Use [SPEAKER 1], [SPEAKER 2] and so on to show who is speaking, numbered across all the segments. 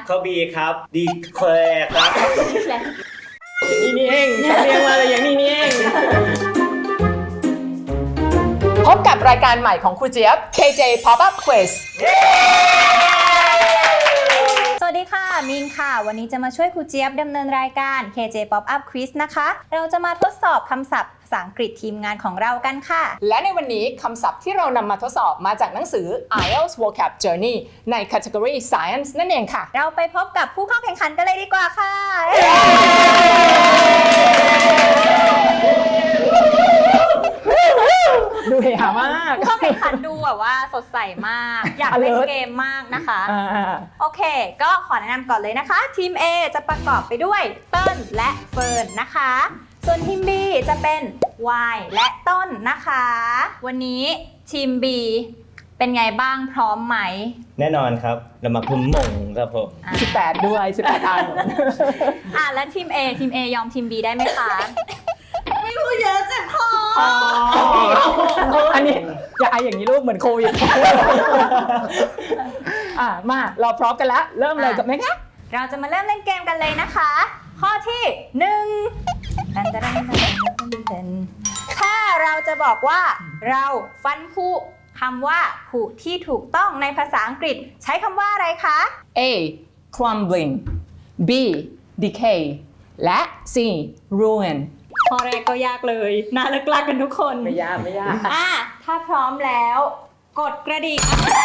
[SPEAKER 1] ข้อ B ครับ declare ครับอย่างนี้นี่เองสำเนียงมาเลยอย่างนี้นี่เอง
[SPEAKER 2] พบกับรายการใหม่ของครูเจี๊ยบ KJ Pop-up Quiz
[SPEAKER 3] สวัสดีค่ะมินค่ะวันนี้จะมาช่วยครูเจี๊ยบดำเนินรายการ KJ Pop-up Quiz นะคะเราจะมาทดสอบคำศัพท์ภาษาอังกฤษทีมงานของเรากันค่ะ
[SPEAKER 2] และในวันนี้คำศัพท์ที่เรานำมาทดสอบมาจากหนังสือ IELTS Vocab Journey ใน Category Science นั่นเองค่ะ
[SPEAKER 3] เราไปพบกับผู้เข้าแข่งขันกันเลยดีกว่าค่ะ
[SPEAKER 2] ดูเฮฮามาก
[SPEAKER 3] ผู้เข้าแข่งขันดูแบบว่าสดใสมาก อยากเล่น
[SPEAKER 2] Alert
[SPEAKER 3] เกมมากนะคะ
[SPEAKER 2] ๆ
[SPEAKER 3] โอเค ก็ขอแนะนำก่อนเลยนะคะทีม A จะประกอบไปด้วยเติ้ลและเฟิร์นนะคะส่วนทีม B จะเป็นวายและต้นนะคะ วันนี้ทีม B เป็นไงบ้างพร้อมไหม
[SPEAKER 1] แน่นอนครับ เรามาพึ่มมงครับผม
[SPEAKER 2] 18 ด้วย 18 อัน
[SPEAKER 3] แล้วทีม A ยอมทีม B ได้ไหมคะ ไม่รู้เยอะจังพอ
[SPEAKER 2] อันนี้อย่าไออย่างนี้ลูกเหมือนโควิด มาเราพร้อมกันแล้ว เริ่มเลยกับไหมคะ
[SPEAKER 3] เราจะมาเริ่มเล่นเกมกันเลยนะคะ ข้อที่1ถ้าเราจะบอกว่าเราฟันผุคำว่าผุที่ถูกต้องในภาษาอังกฤษใช้คำว่าอะไรคะ
[SPEAKER 2] A crumbling B decay และ C ruin
[SPEAKER 3] ข้อแรกก็ยากเลยน่าเลิกลากกันทุกคน
[SPEAKER 2] ไม่ยากไม่ยาก
[SPEAKER 3] ถ้าพร้อมแล้วกดกระดิ่ง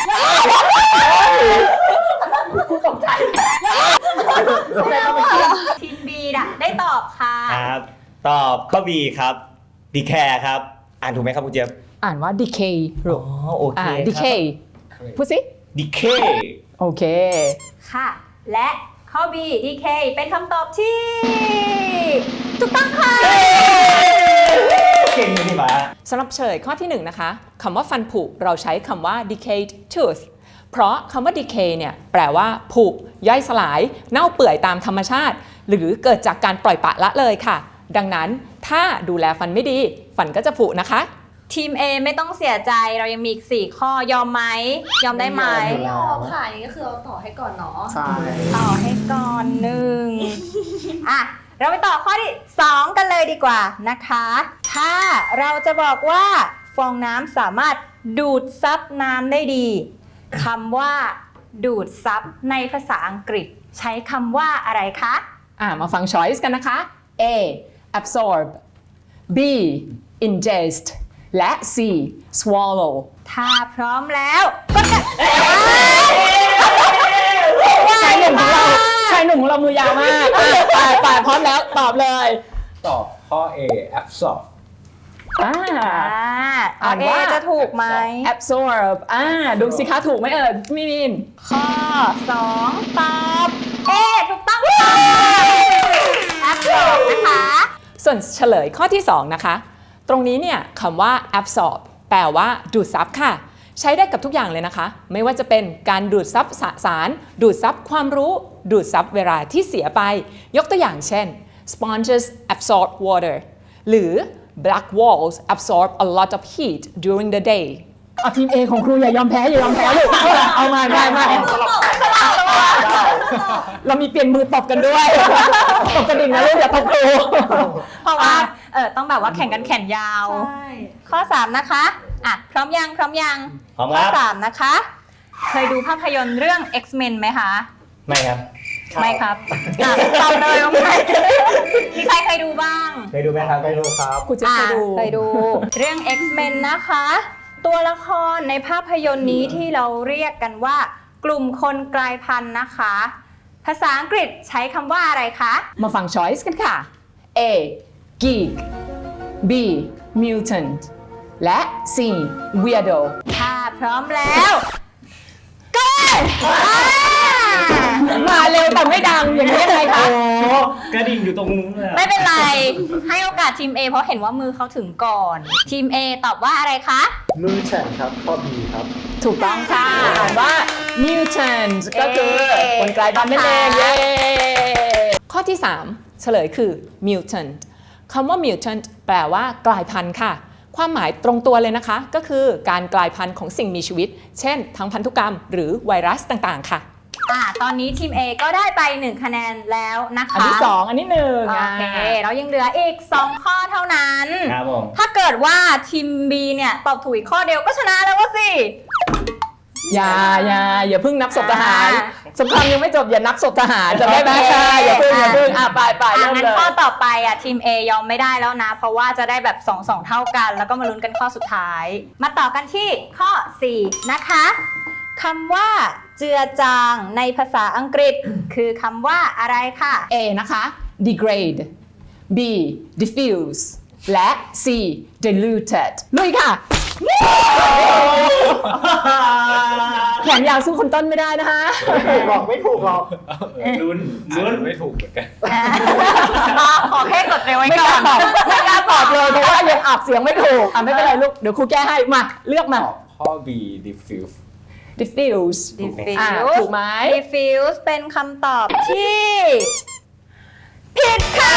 [SPEAKER 2] กูตกใจ
[SPEAKER 3] ทีม B ได้ตอบค่ะ
[SPEAKER 1] ครับ ตอบข้อ B ครับ declare ครับ อ่านถูกไหมครับคุณเจี๊ยบ
[SPEAKER 2] อ่านว่า decay ลูก
[SPEAKER 1] โอเคครับ
[SPEAKER 2] decay พูดสิ
[SPEAKER 1] decay
[SPEAKER 2] โอเค
[SPEAKER 3] ค่ะ และข้อ B DK เป็นคำตอบที่ถูกต้องค่ะ
[SPEAKER 1] เก่งนี่หมา
[SPEAKER 2] สำหรับเฉลยข้อที่ 1 นะคะคำว่าฟันผุเราใช้คำว่า decayed tooth เพราะคำว่า decay เนี่ยแปลว่าผุย่อยสลาย เน่าเปื่อยตามธรรมชาติ หรือเกิดจากการปล่อยปละละเลยค่ะ ดังนั้นถ้าดูแลฟันไม่ดี ฟันก็จะผุนะคะ
[SPEAKER 3] ทีม A ไม่ต้องเสียใจเรายังมีอีก4ข้อยอมไหมยอมได้ไหม
[SPEAKER 4] ไม่ยอมค่ะอย่างนี้ก็คือเราต่อให้ก่อนเนาะ
[SPEAKER 5] ใช่
[SPEAKER 3] ต่อให้ก่อนหนึ่ง เราไปต่อข้อที่ 2 กันเลยดีกว่านะคะ ถ้าเราจะบอกว่าฟองน้ำสามารถดูดซับน้ำได้ดีคำว่าดูดซับในภาษาอังกฤษใช้คำว่าอะไรคะ
[SPEAKER 2] มาฟัง choice กันนะคะ A absorb B ingest และ C swallow
[SPEAKER 3] ถ้าพร้อมแล้วก็จะ
[SPEAKER 2] ชายหนุ่มของเรามือยาวมากไปพร้อมแล้วตอบเลย
[SPEAKER 5] ตอบข้อ A absorb
[SPEAKER 2] อ่านว่า
[SPEAKER 3] จะถูกไหม
[SPEAKER 2] absorb ดูสิคะถูกไหมมิน
[SPEAKER 3] ข้อ 2 ตอบถูกต้องค่ะแอปตอบนะคะ
[SPEAKER 2] ส่วนเฉลยข้อที่ 2 นะคะ ตรงนี้เนี่ยคำว่า absorb แปลว่าดูดซับค่ะ ใช้ได้กับทุกอย่างเลยนะคะ ไม่ว่าจะเป็นการดูดซับสาร ดูดซับความรู้ ดูดซับเวลาที่เสียไป ยกตัวอย่างเช่น sponges absorb water หรือ black walls absorb a lot of heat during the day ทีม A ของครูอย่ายอมแพ้ลูกเอามาเรามีเปลี่ยนมือตบกันด้วย ตบกระดิ่งนะลูกอย่าตบครู
[SPEAKER 3] เพราะว่าต้องแบบว่าแข่งกันแขนยาว
[SPEAKER 4] ใช่
[SPEAKER 3] ข้อ 3 นะคะพร้อมยัง
[SPEAKER 1] พร้อม
[SPEAKER 3] ข้
[SPEAKER 1] ค
[SPEAKER 3] อ
[SPEAKER 1] รับ
[SPEAKER 3] 3 นะคะ เคยดูภาพยนตร์เรื่อง X-Men ไหมคะ
[SPEAKER 1] ไม่ครับ
[SPEAKER 3] ไม่ครับตอบเลยว่าไม่มีใครเคยดูบ้าง
[SPEAKER 1] เคยดูไหมครับเคยดูครับ
[SPEAKER 2] ครูจะเคยดู
[SPEAKER 3] เคยดู เรื่อง X-Men นะคะ ตัวละครในภาพยนตร์นี้ที่เราเรียกกันว่ากลุ่มคนกลายพันธุ์นะคะ ภาษาอังกฤษใช้คำว่าอะไรคะ
[SPEAKER 2] มาฟัง choice กันค่ะ A geek B mutant และ C weirdo
[SPEAKER 3] ถ้าพร้อมแล้วก็
[SPEAKER 2] มาเร็วแต่ไม่ดังอย่างนี้ยังไงคะ
[SPEAKER 1] กระดิ่งอยู่ตรงนู้นเลย
[SPEAKER 3] ไม่เป็นไร ให้โอกาสทีม A เพราะเห็นว่ามือเขาถึงก่อน ทีม A ตอบว่าอะไรคะ
[SPEAKER 5] มือแข่งครับข้อ B ครับ
[SPEAKER 2] ถูกต้องค่ะอ่านว่า mutant ก็คือคนกลายพันธุ์นั่นเองเย้ข้อที่ 3 เฉลยคือ mutant คำว่า mutant แปลว่ากลายพันธุ์ค่ะ ความหมายตรงตัวเลยนะคะ ก็คือการกลายพันธุ์ของสิ่งมีชีวิต เช่นทางพันธุกรรมหรือไวรัสต่างๆค่ะ
[SPEAKER 3] ตอนนี้ทีม A ก็ได้ไป1คะแนนแล้วนะคะ
[SPEAKER 2] อันที่ 2 อันที่ 1
[SPEAKER 3] โอเคเรายังเหลืออีก2ข้อเท่านั้น
[SPEAKER 1] ครับผม
[SPEAKER 3] ถ้าเกิดว่าทีม B เนี่ยตอบถูกอีกข้อเดียวก็ชนะแล้ววะสิ
[SPEAKER 2] อย่าเพิ่งนับศพทหาร
[SPEAKER 3] อ่า
[SPEAKER 2] สงครามยังไม่จบอย่านับศพทหารจะได้ไหมอย่าเพิ่งไปเริ่ม
[SPEAKER 3] งั้น
[SPEAKER 2] เลย
[SPEAKER 3] ข้อต่อไปทีม A ยอมไม่ได้แล้วนะ เพราะว่าจะได้แบบ2เท่ากัน แล้วก็มาลุ้นกันข้อสุดท้าย มาต่อกันที่ข้อ 4 นะคะคำว่าเจือจางในภาษาอังกฤษคือคำว่าอะไรค่ะ
[SPEAKER 2] A นะคะ degrade B diffuse และ C diluted ลุยค่ะ แขนยาวสู้คนต้นไม่ได้นะคะ
[SPEAKER 5] บอกไม่ถูกหรอก
[SPEAKER 1] ลุ้น
[SPEAKER 5] ไม่ถูกเหมือนกัน
[SPEAKER 3] ขอแค่กดเร็วไว้
[SPEAKER 2] ไม่
[SPEAKER 3] ก่
[SPEAKER 2] ก
[SPEAKER 3] อ
[SPEAKER 2] ล้าน ตอบไม่กล้าตอบเลยเพราะว่ายังอับเสียงไม่ถูกไม่เป็นไรลูกเดี๋ยวครูแก้ให้มาเลือกมา
[SPEAKER 5] ตอบข้อ B diffuse
[SPEAKER 2] diffuse
[SPEAKER 3] diffuse
[SPEAKER 2] ถูกไหม
[SPEAKER 3] diffuse เป็นคำตอบที่ผิดค่ะ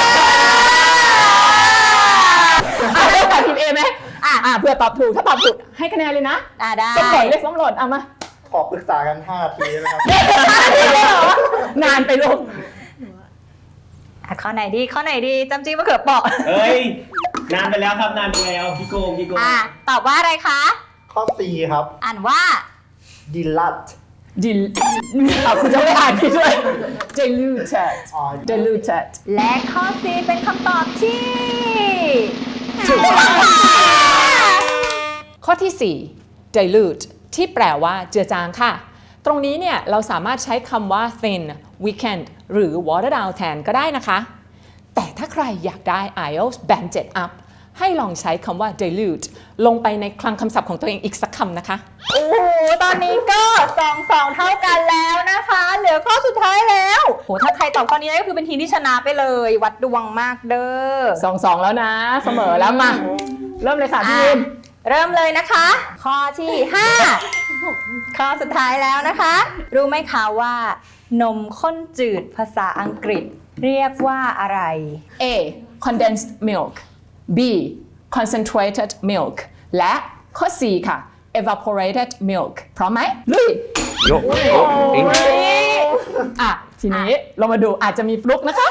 [SPEAKER 2] เลือกแบบทีม A ไหมเพื่อตอบถูกถ้าตอบถูกให้คะแนนเลยนะ
[SPEAKER 3] ได้
[SPEAKER 2] ส้มหล่นเรียกส้มหล่นเอามา
[SPEAKER 5] ขอปรึกษากัน5 นาทีนะครับ
[SPEAKER 2] นานไปลูก
[SPEAKER 3] ข้อไหนดีจำจี้มะเขือเปราะ
[SPEAKER 1] เฮ้ย นานไปแล้วครับ นานไปแล้วพี่โกง
[SPEAKER 3] ตอบว่าอะไรคะ
[SPEAKER 5] ข้อ C ครับ
[SPEAKER 3] อ่านว่า
[SPEAKER 5] dilat
[SPEAKER 2] คุณจะไม่อ่านพี่ด้วย diluted
[SPEAKER 5] อ๋อ
[SPEAKER 2] diluted
[SPEAKER 3] และข้อ C เป็นคำตอบที่
[SPEAKER 2] ถูกต้องข้อที่ 4 dilute ที่แปลว่าเจือจางค่ะ ตรงนี้เนี่ยเราสามารถใช้คำว่า thin weakened หรือ water down แทนก็ได้นะคะ แต่ถ้าใครอยากได้ IELTS Band 7 up ให้ลองใช้คำว่า dilute ลงไปในคลังคำศัพท์ของตัวเองอีกสักคำนะคะ
[SPEAKER 3] โอ้โห ตอนนี้ก็2เท่ากันแล้วนะคะ เหลือข้อสุดท้ายแล้วโหถ้าใครตอบข้อนี้ได้ก็คือเป็นทีมที่ชนะไปเลย วัดดวงมากเด้อ
[SPEAKER 2] 2 แล้วนะ เสมอแล้วมา เริ่มเลยค่ะพี่ยิน
[SPEAKER 3] เริ่มเลยนะคะ ข้อที่ 5 ข้อสุดท้ายแล้วนะคะ รู้ไหมคะว่า นมข้นจืดภาษาอังกฤษเรียกว่าอะไร
[SPEAKER 2] A condensed milk B concentrated milk และข้อ C ค่ะ evaporated milk พร้อมไหมลุย
[SPEAKER 1] ยกอิง
[SPEAKER 2] ทีนี้เรามาดูอาจจะมีฟลุกนะคะ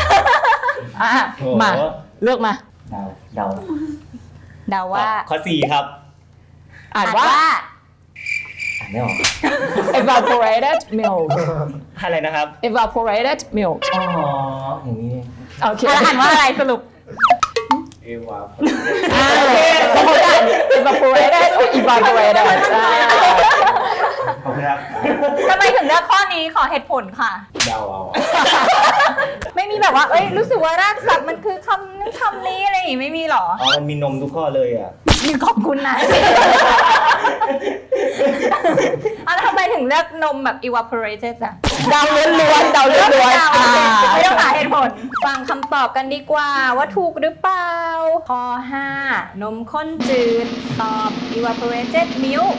[SPEAKER 2] มาเลือกมา
[SPEAKER 1] เดา
[SPEAKER 3] เดาว่า
[SPEAKER 1] ข้อ 4 ครับ
[SPEAKER 2] อ่านว่า
[SPEAKER 1] อ่านไม่ออก
[SPEAKER 2] evaporated milk
[SPEAKER 1] อะไรนะครับ
[SPEAKER 2] evaporated milk
[SPEAKER 1] อ๋อ อย่างนี้
[SPEAKER 2] โอเค
[SPEAKER 3] อ่านว่าอะไรสรุป
[SPEAKER 5] เอวา
[SPEAKER 2] โอเคบางคนอ่าน evaporated or evaporated
[SPEAKER 1] ขอบคุณครับ
[SPEAKER 3] ทำไมถึงเลือกข้อนี้ขอเหตุผลค่ะ
[SPEAKER 5] เดาเอา
[SPEAKER 3] ไม่มีแบบว่า เอ้ย รู้สึกว่ารากศัพท์มันคือคำนั้นคำนี้อะไรอย่างงี้ไม่มีหรอ
[SPEAKER 1] อ๋อ มันมีนมทุกข้อเลยอ่ะ
[SPEAKER 3] ขอบคุณนะ แล้วทำไมถึงเลือกนมแบบ evaporated อะ
[SPEAKER 2] เดาล้วนๆเดาล้วน
[SPEAKER 3] ไม่ต้องหาเหตุผล ฟังคำตอบกันดีกว่าว่าถูกหรือเปล่า ข้อ 5 นมข้นจืด ตอบ evaporated milk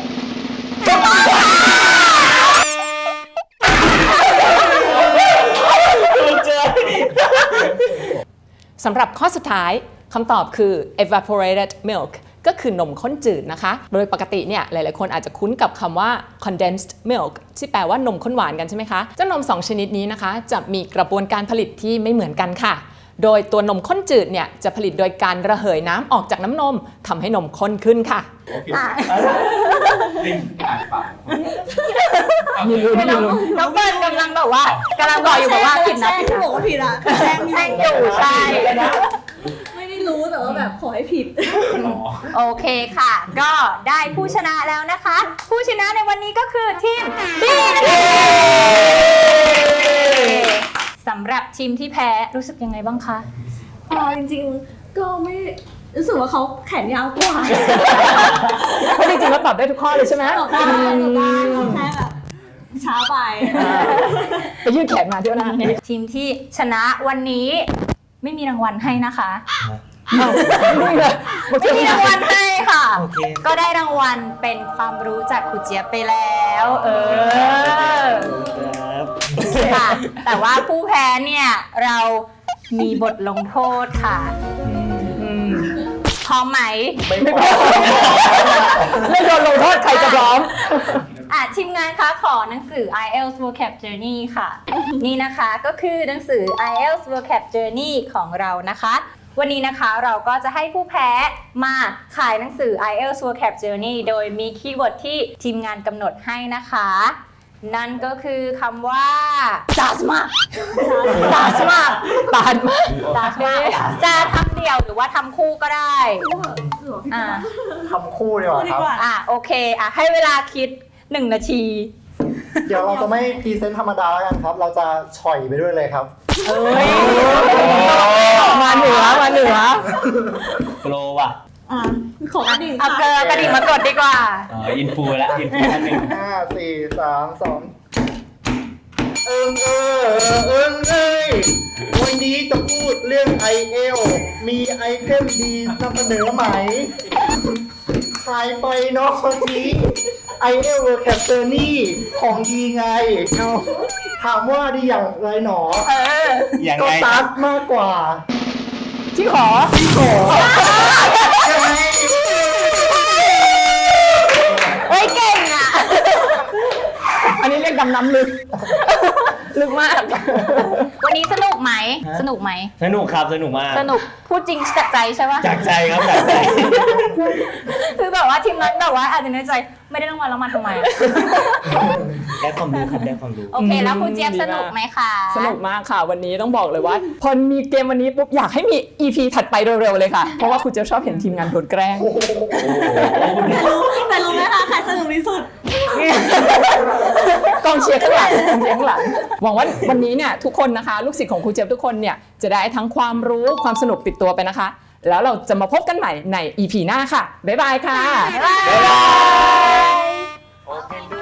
[SPEAKER 2] สำหรับข้อสุดท้ายคำตอบคือ evaporated milk ก็คือนมข้นจืดนะคะ โดยปกติเนี่ยหลายๆคนอาจจะคุ้นกับคำว่า condensed milk ที่แปลว่านมข้นหวานกันใช่ไหมคะ เจ้านม 2 ชนิดนี้นะคะ จะมีกระบวนการผลิตที่ไม่เหมือนกันค่ะ โดยตัวนมข้นจืดเนี่ยจะผลิตโดยการระเหยน้ำออกจากน้ำนมทำให้นมข้นขึ้นค่ะ มีลุ้นมีลุ้น
[SPEAKER 3] น้องเฟิร์นกำลังแบบว่ากำลังบอกอยู่แบบว่าผิดนะ
[SPEAKER 4] แช่งที่บอกว่าผิดอ่ะแช่ง
[SPEAKER 3] แช่งอยู่ใช่
[SPEAKER 4] ไม่ได้รู้แต่ว่าแบบขอให้ผิด
[SPEAKER 3] โอเคค่ะ ก็ได้ผู้ชนะแล้วนะคะ ผู้ชนะในวันนี้ก็คือทีม B สำหรับทีมที่แพ้รู้สึกยังไงบ้างคะ
[SPEAKER 4] จริงๆ ก็ไม่รู้สึกว่าเขาแขนยาวกว่า
[SPEAKER 2] เพราะจริงๆแล้วตอบได้ทุกข้อเลยใช่ไหม
[SPEAKER 4] ตอบได้แค่แบบช้าไป
[SPEAKER 2] ไปยืดแขนมาเที่ยวหน้า
[SPEAKER 3] ทีมที่ชนะวันนี้ไม่มีรางวัลให้นะคะ
[SPEAKER 2] นี่เลย
[SPEAKER 3] ไม่มีรางวัลให้ค่ะ
[SPEAKER 1] โอเค
[SPEAKER 3] ก็ได้รางวัลเป็นความรู้จากครูเจี๊ยบไปแล้ว
[SPEAKER 1] ครับ
[SPEAKER 3] ค่ะ แต่ว่าผู้แพ้เนี่ยเรามีบทลงโทษค่ะพร้อมไหม
[SPEAKER 2] ไม่โดนลงโทษใครจะพร้อม
[SPEAKER 3] ทีมงานคะขอหนังสือ IELTS Vocab Journey ค่ะ นี่นะคะก็คือหนังสือ IELTS Vocab Journey ของเรานะคะ วันนี้นะคะเราก็จะให้ผู้แพ้มาขายหนังสือ IELTS Vocab Journey โดยมีคีย์เวิร์ดที่ทีมงานกำหนดให้นะคะ นั่นก็คือคำว่า dasma dasma
[SPEAKER 2] ตานมาก
[SPEAKER 3] dasma จะทำเดี่ยวหรือว่าทำคู่ก็ได้อ่า
[SPEAKER 5] ทำคู่ดีกว่าครับ
[SPEAKER 3] โอเคให้เวลาคิด 1 นาที
[SPEAKER 5] เดี๋ยวเราจะไม่พรีเซนต์ธรรมดาแล้วกันครับ เราจะฉ่อยไปด้วยเลยครับ
[SPEAKER 2] มาเหนือ
[SPEAKER 1] โปรว่ะ
[SPEAKER 4] ขอกระดิ่ง
[SPEAKER 3] เอาเกลือกระดิ่งมากดดีกว่า
[SPEAKER 1] อินฟูแล้วอินฟูท่านหนึ่ง
[SPEAKER 5] 5 4 3 2เอิงเอ้ยวันนี้จะพูดเรื่อง IELTS มีไอเทมดีนำเสนอไหมใครไปเนาะคนนี้ IELTS Vocab Journey ของดีไง ถามว่าดีอย่างไรหนอ
[SPEAKER 1] อย่าง
[SPEAKER 5] ก็
[SPEAKER 1] ไง
[SPEAKER 5] ตัดมากกว่า
[SPEAKER 2] ที่ขอ
[SPEAKER 5] ที่ขอยังไง
[SPEAKER 3] เฮ้ยเก่งอ่ะ
[SPEAKER 2] อันนี้เรียกดำน้ำลึก ลึกมาก
[SPEAKER 3] วันนี้สนุกไหม สนุกไหม
[SPEAKER 1] สนุกครับสนุกมาก
[SPEAKER 3] สนุก พูดจริงจากใจใช่ปะ
[SPEAKER 1] จากใจครับจากใจ
[SPEAKER 3] คือแบบว่าทีมนั้นแบบว่าอาจจะในใจไม่ได้รางวัลแล้วมาทำไม
[SPEAKER 1] ได้ความรู้ครับได้ความรู้
[SPEAKER 3] โอเค แล้วคุณเจี๊ยบสนุกไหมคะ
[SPEAKER 2] สนุกมากค่ะ วันนี้ต้องบอกเลยว่า พอมีเกมวันนี้ปุ๊บอยากให้มี EP ถัดไปเร็วๆเลยค่ะ เพราะว่าคุณเจะชอบเห็นทีมงานโดนแกล้ง
[SPEAKER 4] แต่รู้ไหมคะใครสนุกที่สุด
[SPEAKER 2] กองเชียร์ข้างหลังกองเชียร์ข้างหลังหวังว่าวันนี้เนี่ยทุกคนนะคะ ลูกศิษย์ของครูเจี๊ยบทุกคนเนี่ยจะได้ทั้งความรู้ความสนุกติดตัวไปนะคะ แล้วเราจะมาพบกันใหม่ใน EP หน้าค่ะ บ๊ายบายค่ะ
[SPEAKER 3] บ๊ายบาย
[SPEAKER 1] โอเค